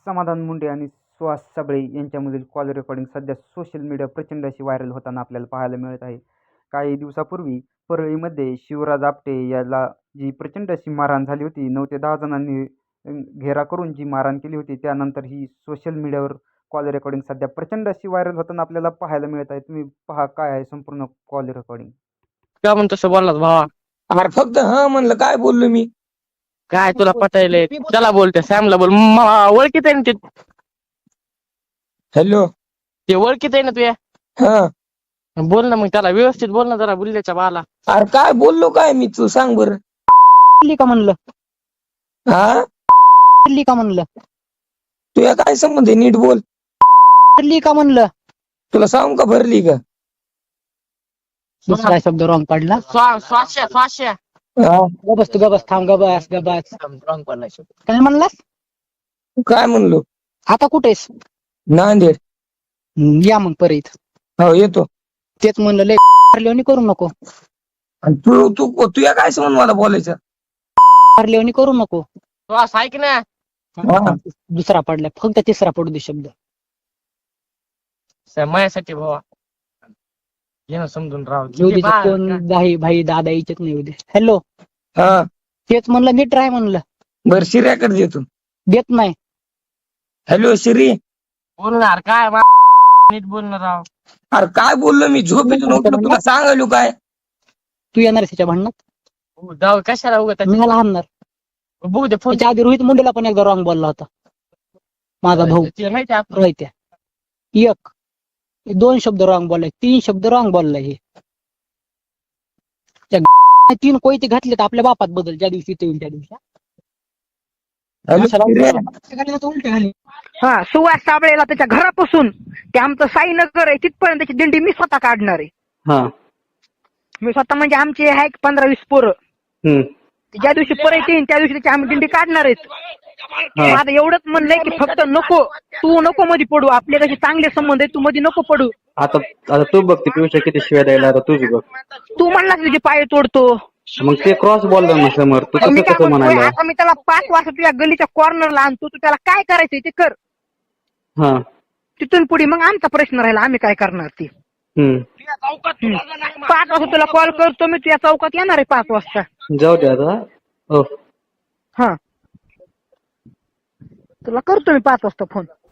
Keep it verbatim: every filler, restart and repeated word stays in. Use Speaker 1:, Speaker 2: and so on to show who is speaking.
Speaker 1: समाधान मुंडे आणि सुहास सबळे यांच्यामधील कॉल रेकॉर्डिंग सध्या सोशल मीडिया प्रचंड अशी व्हायरल होताना आपल्याला पाहायला मिळत आहे. काही दिवसापूर्वी परळीमध्ये शिवराज आपटे याला जी प्रचंड अशी मारहाण झाली होती, नऊ ते दहा जणांनी घेरा करून जी मारहाण केली होती, त्यानंतर ही सोशल मीडियावर कॉल रेकॉर्डिंग सध्या प्रचंड अशी व्हायरल होताना आपल्याला पाहायला मिळत आहे. तुम्ही पहा काय आहे संपूर्ण कॉल रेकॉर्डिंग.
Speaker 2: का म्हणतो तसं बोललास भावा?
Speaker 3: अरे फक्त हा म्हणलं, काय बोललो मी?
Speaker 2: काय तुला पटायले? त्याला बोलते सॅमला बोल. म- ओळखीत आहे ना ते
Speaker 3: हॅलो.
Speaker 2: ते ओळखीत आहे ना तुया.
Speaker 3: हा.
Speaker 2: बोल ना मग त्याला व्यवस्थित बोल ना जरा बुल्ल्याच्या बाला.
Speaker 3: अरे काय बोललो काय मी? तू सांग बर.
Speaker 4: का म्हणलं
Speaker 3: हा
Speaker 4: का म्हणलं
Speaker 3: तुया काय संबंध आहे? नीट बोल.
Speaker 4: का म्हणलं
Speaker 3: तुला सांगू का भरली का?
Speaker 4: दुसरा शब्द रॉंग काढला.
Speaker 2: स्वा- स्वाश्या स्वाश्या
Speaker 3: हा.
Speaker 4: गबस तू गबस थांब गबस गबस काय म्हणलास?
Speaker 3: काय म्हणलो?
Speaker 4: आता कुठेस?
Speaker 3: नांदेड.
Speaker 4: हम्म, या मग परत.
Speaker 3: हो येतो.
Speaker 4: तेच म्हणलं लय लेवणी करू नको.
Speaker 3: आणि तू तू तुया काय संबंध मला बोलायचं?
Speaker 4: लेवणी करू नको.
Speaker 2: श्वास ऐक ना.
Speaker 3: हा.
Speaker 4: दुसरा पडला, फक्त तिसरा पडू दे शब्द.
Speaker 2: स- माझ्यासाठी भावा घे ना समजून राव.
Speaker 4: येऊ दे
Speaker 2: किती बा-
Speaker 4: कोण भाई भाई दादा यायचेच नाही. येऊ दे. हॅलो.
Speaker 3: हा.
Speaker 4: तेच म्हणलं नीट राह म्हणलं.
Speaker 3: बर शिर्याकडे देतो.
Speaker 4: देत नाही.
Speaker 3: हॅलो शिरी.
Speaker 2: बोलणार काय मा- नीट बोलणार राव.
Speaker 3: अरे काय बोललो मी? झोपेतून उठलो, तुला सांगायलो काय?
Speaker 4: तू येणार आहेस त्याच्या भांडणात?
Speaker 2: हो, जाऊ कशाला उगत
Speaker 4: मी मला हाणणार.
Speaker 2: बघू दे फोन.
Speaker 4: त्याच्या आधी रोहित मुंडेला पण एकदा रॉंग बोलला होता माझा भाऊ.
Speaker 2: तिला माहिती आहे आपण.
Speaker 4: रोहित्या एक दोन शब्द रॉंग बोललाय, तीन शब्द रॉंग बोललाय. हे त्या तीन कोयते घातले तर आपल्या बापात बदल ज्या दिवशी ते होईल त्या दिवशी.
Speaker 3: हॅलो शिर्या.
Speaker 5: हा सुहास साबळेला त्याच्या घरापासून ते आमचं साईनगर आहे तिथपर्यंत त्याची दिंडी मी स्वतः काढणार आहे.
Speaker 1: हा.
Speaker 5: मी स्वतः म्हणजे आमचे आहे एक पंधरा वीस पोरं.
Speaker 1: हम्म.
Speaker 5: ते ज्या दिवशी परत येईन त्या दिवशी त्याची आम्ही दिंडी काढणार आहेत. माझं एवढंच म्हणलंय की फक्त नको, तू नको मध्ये पडू. आपले कसे चांगले संबंध आहे, तू मध्ये नको पडू.
Speaker 1: आता आता तू बघ ते पियुष किती शिव्या द्यायला, आता तुझी बघ.
Speaker 5: तू म्हणलास तुझे पाय तोडतो.
Speaker 1: मग ते क्रॉस बोलला ना समोर, तू
Speaker 5: मी
Speaker 1: कसं
Speaker 5: काय
Speaker 1: कसं
Speaker 5: म्हणतोय,
Speaker 1: म्हणायला?
Speaker 5: आता मी त्याला पाच वाजता तुझ्या गलीच्या कॉर्नरला आणतो. तू त्याला काय करायचंय ते कर.
Speaker 1: हा.
Speaker 5: तिथून पुढे मग आमचा प्रश्न राहिला, आम्ही काय करणार ते.
Speaker 1: हम्म.
Speaker 5: हम्म. पाच वाजता तुला कॉल करतो मी, तुझ्या चौकात येणार आहे पाच वाजता.
Speaker 1: जाऊ दे आता. हो.
Speaker 5: हा तुला करतो मी पाच वाजता फोन.